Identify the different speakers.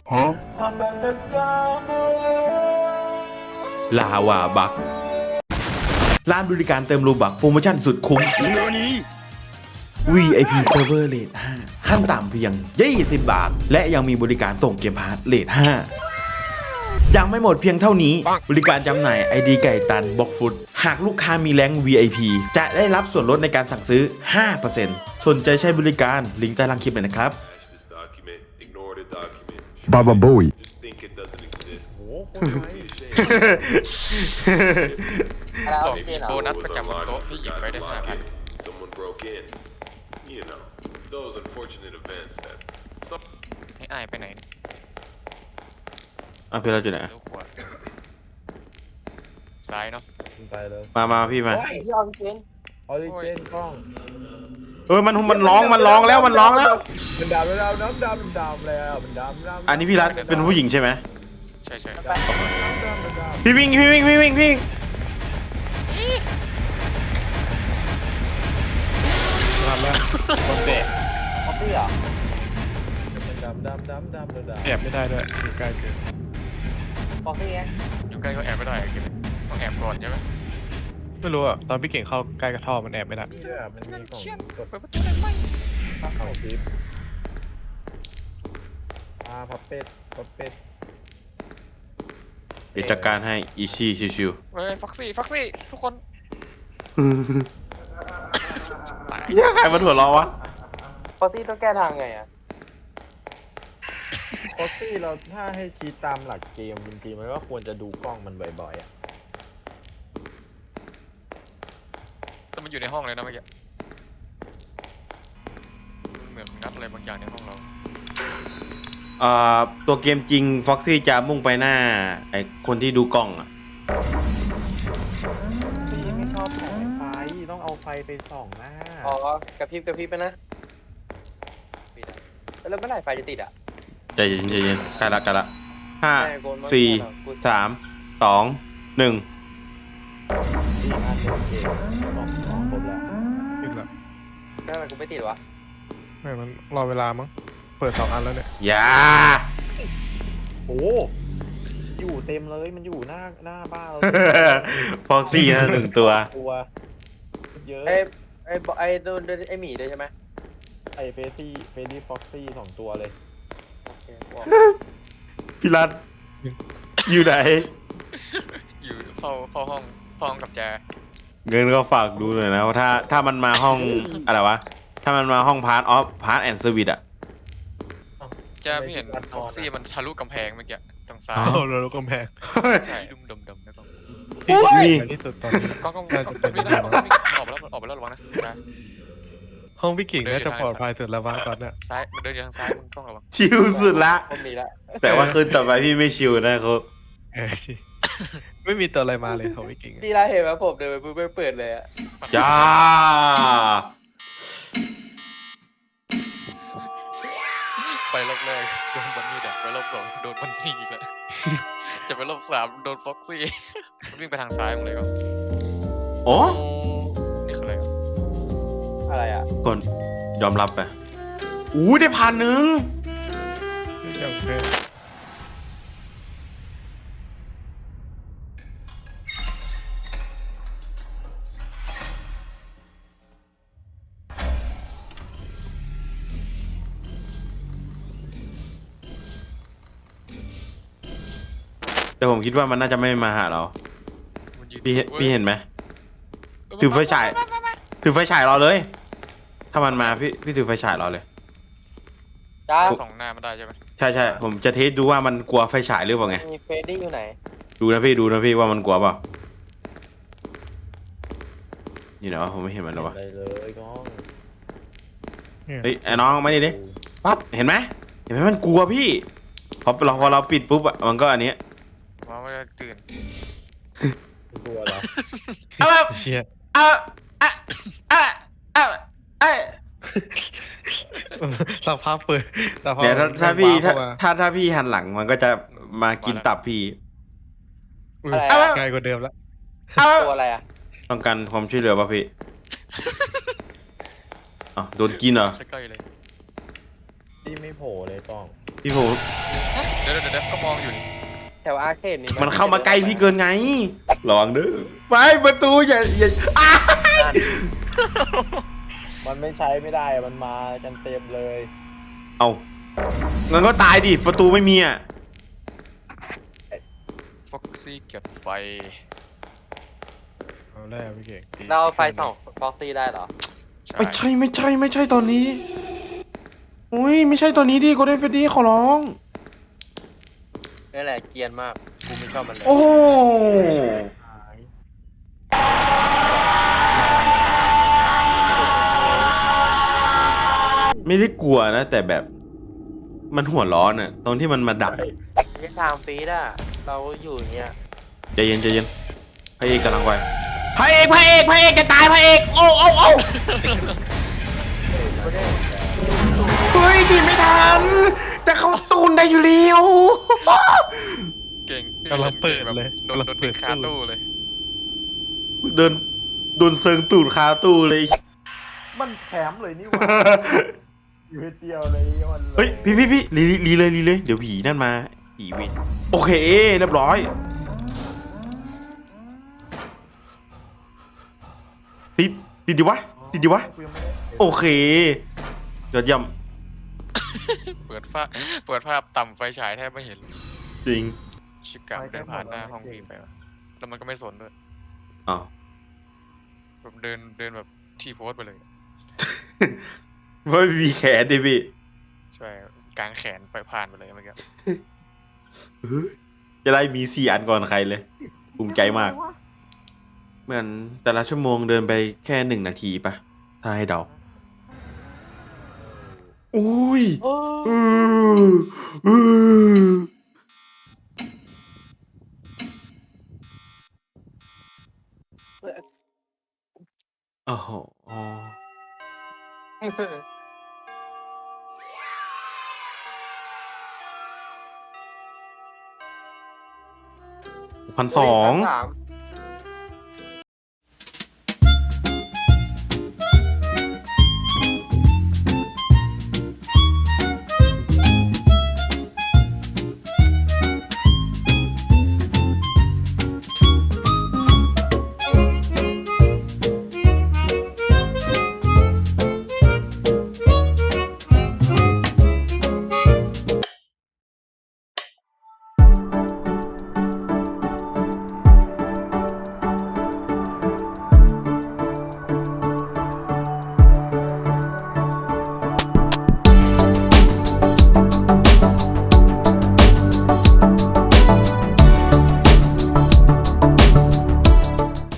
Speaker 1: ลาวาบักร้านบริการเติมโลบักโปรโมชั่นสุดคุ้ม VIP Server Rate 5 ขั้นต่ำเพียง20 บาท และยังมีบริการส่งเกมพาร์ทเรท5ยังไม่หมดเพียงเท่านี้ บริการจำหน่าย ID ไก่ตันบ็อกฟุตหากลูกค้ามีแรงค์ VIP จะได้รับส่วนลดในการสั่งซื้อ 5% สนใจใช้บริการลิงก์ใต้ล่างคลิปเลยนะครับ
Speaker 2: Baba Bowie.
Speaker 3: แล้ว
Speaker 4: บอก
Speaker 3: เจ
Speaker 4: มี
Speaker 3: นเหร
Speaker 4: โบ
Speaker 3: อ
Speaker 4: นัสประจำบนโต๊ะที่หยิบไปได้5,000 ให้อายไปไหน
Speaker 1: พี่เราอยู่ไหน
Speaker 4: ลูกหัวซ้ายเนาะ
Speaker 5: ไปเลย
Speaker 1: มาพี่มา
Speaker 3: โอ้ยที่เอาพี่เจน
Speaker 5: ออริเจนกล้อง
Speaker 1: มันร้องแล้ว
Speaker 5: มันดำแล้วน้ำดำแล้วมันดำ
Speaker 1: อันนี้พี่รัฐเป็นผู้หญิงใช่ไหม
Speaker 4: ใช่
Speaker 1: พี่วิ่ง
Speaker 5: ทำแล้วคนเด็ก
Speaker 3: คอฟฟี่เหรอ
Speaker 5: ดำ
Speaker 6: แอบไม่ได้ด้วยอยู่ใกล้เกิน
Speaker 3: คอฟฟี่ไง
Speaker 4: อยู่ใกล้ก็แอบไม่ได้อะคิดต้องแอบก่อนใช่ไหม
Speaker 6: ไม่รู้อ่ะตอนพี่เก่งเข้าใกล้กระท่อมมันแอบไม่ได้
Speaker 5: นี่ด้วยมันมีกล่องกด
Speaker 4: เปิดประตูได้ไหม
Speaker 5: เข้าคลิปพับเป็ด
Speaker 1: เดี๋ยวจัดการให้อีชี่ชิว
Speaker 4: เฮ้ยฟ็อกซี่ทุกคน
Speaker 1: ๆเหี้ยใครมันหัวเราะวะ
Speaker 3: คอฟฟี่ต้องแก้ทางไงอ่ะ
Speaker 5: โคซี่เราถ้าให้คิดตามหลักเกมจริงๆมันก็ควรจะดูกล้องมันบ่อยๆอ่ะ
Speaker 4: แต่มันอยู่ในห้องเลยนะเมื่อกี้เหมือนงัดอะไรบางอย่างในห้องเรา
Speaker 1: ตัวเกมจริงฟ็อกซี่จะมุ่งไปหน้าไอคนที่ดูกล้องอ่ะ
Speaker 5: พี่ไม่ชอบแสงไฟต้องเอาไฟไปส่องหน้า
Speaker 3: อ๋อกระพริบไปนะปิดอะแล้วเมื่อไหร่ไฟจะติดอ่ะ
Speaker 1: ใจเย็นใกล้ละห้า
Speaker 3: แม่โกนมา
Speaker 1: สี่
Speaker 3: กู
Speaker 1: สามสองหนึ่ง
Speaker 5: ที่อันโอเคสองครบแล้ว
Speaker 6: ขึ้นละ
Speaker 3: แล้วทำไมกูไม่ติดวะ
Speaker 6: ไม่มันรอเวลามั้งเปิด2 อันแล้วเนี่ย
Speaker 1: อย่า
Speaker 5: โอ้อยู่เต็มเลยมันอยู่หน้าบ้านเรา
Speaker 1: ฟ็อกซี่นะ1 ตัว
Speaker 5: ตัวเยอะ
Speaker 3: ไอ้โดนไอ้หมีด้วยใช่ไหม
Speaker 5: ไอเฟซี่ฟ็อกซี่2 ตัวเลย
Speaker 3: โอเคบอก
Speaker 1: พี่รัฐอยู่ไหน
Speaker 4: อยู่เฝ้าห้องกับแจ
Speaker 1: เงินก็ฝากดูหน่อยนะว่าถ้ามันมาห้องอะไรวะ ถ้ามันมาห้องพาร์ทแอนด์เซอร์วิสอ่ะ
Speaker 4: แจพี่เห็นฟ็อกซี่มันทะลุกำแพงเมื่อกี้ทางซ้าย
Speaker 1: อ้าว
Speaker 6: เอาเรากำแพง
Speaker 4: ใช่ดมแล้วก็
Speaker 1: นี่
Speaker 6: ในที่สุดตอนนี้
Speaker 4: ก็
Speaker 6: น่าจะเป็น
Speaker 4: ไม่ได้ออกไปแล้วระวังนะ
Speaker 6: ห้องพี่เก่งน่าจะปลอดภัยสุดแล้ววะตอนเนี้ย
Speaker 4: ซ้ายมันเดินอยู่ทางซ้ายมึงต้องระวัง
Speaker 1: ชิลสุดละ
Speaker 3: คนมีละ
Speaker 1: แต่ว่าคืนต่อไปพี่ไม่ชิลนะเขา
Speaker 6: ชิไม่มีตัวอะไรมาเลยของพี่เก่งอะ
Speaker 3: พี่ได้เห็นไหมผมเดินไปปุ๊บไม่เปิดเลยอ่ะ
Speaker 1: อย่า
Speaker 4: ไปรอบแรกโดนบันนี่เด็กไปรอบ2โดนบันนี่อีกแล้วจะไปรอบ3โดนฟ็อกซี่มันวิ่งไปทางซ้ายมึงเลยก็
Speaker 1: โอ้
Speaker 4: นี่คืออะไรอ่ะ
Speaker 3: อะไรอ่ะ
Speaker 1: ก่อนยอมรับไปได้1,000
Speaker 6: อย่างเพศ
Speaker 1: แต่ผมคิดว่ามันน่าจะไม่มาหาเรา
Speaker 4: มันยืน
Speaker 1: พี่เห็นไหม ถือไฟฉายรอเลย ถ้ามันมาพี่ถือไฟฉายรอเลย
Speaker 3: จ้า
Speaker 4: ส่องหน้ามันได้ใช่ไหม
Speaker 1: ใช่ผมจะเทสดูว่ามันกลัวไฟฉายหรือเปล่าไง
Speaker 3: มีเฟรดดี้อยู่ไหน
Speaker 1: ดูนะพี่ว่ามันกลัวเปล่านี่นะผมไม่เห็นมันหรอวะ
Speaker 5: ได้เลยน้อง
Speaker 1: เฮ้ยไอ้น้องมาดิดิปั๊บเห็นไหมมันกลัวพี่พอเราปิดปุ๊บอะมันก็อันนี้
Speaker 4: ว่ามันจะตื่น
Speaker 5: ตัวเหรอ
Speaker 1: เอาแบบ
Speaker 6: เชี่ย
Speaker 1: เอา
Speaker 6: สักพักเปิดสักพัก
Speaker 1: เดี๋ยวถ้าพี่หันหลังมันก็จะมากินตับพี่
Speaker 3: อะไรอะ
Speaker 6: ไกลกว่าเดิมแล้ว
Speaker 3: ตัวอะไรอ่ะ
Speaker 1: ต้องการความช่วยเหลือป่ะพี่อ๋อโดนกินเหรอ
Speaker 4: ใกล้เลย
Speaker 5: พี่ไม่โผล่เลยป้อง
Speaker 1: พี่โผ
Speaker 4: เดี๋ยวก็มองอยู่นี่
Speaker 3: แถวอาร์เคดนี่
Speaker 1: มันเข้ามาใกล้พี่เกินไงระวังเด้อไปประตูอย่าอ้า
Speaker 5: มันไม่ใช้ไม่ได้มันมากันเต็มเลย
Speaker 1: เอางั้นก็ตายดิประตูไม่มีอ่ะ
Speaker 4: ฟ็อกซี่เก็บไฟ
Speaker 6: เอาแล้วพี่เก่ง
Speaker 3: เราเอาไฟส่องฟ็อกซี่ได้เหรอ
Speaker 1: ไม่ใช่ตอนนี้อุ้ยไม่ใช่ตอนนี้ดิโกลเด้นเฟดดี้ขอร้อง
Speaker 3: นี่แหละเกรียนมากกูไม่ชอบมันเลย
Speaker 1: โอ้โหไม่ได้กลัวนะ แต่แบบมันหัวร้อนอ่ะตรงที่มันมาดัก
Speaker 3: ไม่ทางฟีดอ่ะเราอยู่อย่างเงี้ย
Speaker 1: ใจเย็นพระเอกกำลังไปพระเอกจะตายพระเอกโอ้เฮ้ยดีไม่ทันแต่เขาตูนได้อยู่แล้ว
Speaker 4: เก่ง
Speaker 6: กำลังเปิดเลย
Speaker 4: โดน
Speaker 6: กำลัง
Speaker 4: ติ
Speaker 6: เปิ
Speaker 4: ด
Speaker 6: ด
Speaker 4: คาตู้เลย
Speaker 1: โดนเซิงตูดคาตู้เลย
Speaker 5: มันแคมป์เลยนี่หว่าอยู่เดียวเลยมัน
Speaker 1: เฮ้ยพี่รีเลยเดี๋ยวผีนั่นมาผีเวนโอเคเรียบร้อยติดดิวะ
Speaker 5: กูยังไม่ได้
Speaker 1: โอเคยอดเยี่ยม
Speaker 4: เปิดภาพต่ำไฟฉายแทบไม่เห็น
Speaker 1: จริง
Speaker 4: ชิกะเดินผ่านหน้าห้องพี่ไปวะแล้วมันก็ไม่สนด้วย
Speaker 1: อ้าว
Speaker 4: แบบเดินแบบทีโพสไปเลย
Speaker 1: ไม่มีแขนดิพี่
Speaker 4: ใช่กลางแขนไปผ่านไปเลยเมื่อกี้
Speaker 1: จะได้มี4 อันก่อนใครเลยภูมิใจมากเหมือนแต่ละชั่วโมงเดินไปแค่1 นาทีปะถ้าให้เดาอุ้ย
Speaker 3: โอ้
Speaker 1: อือโอ้โห1,200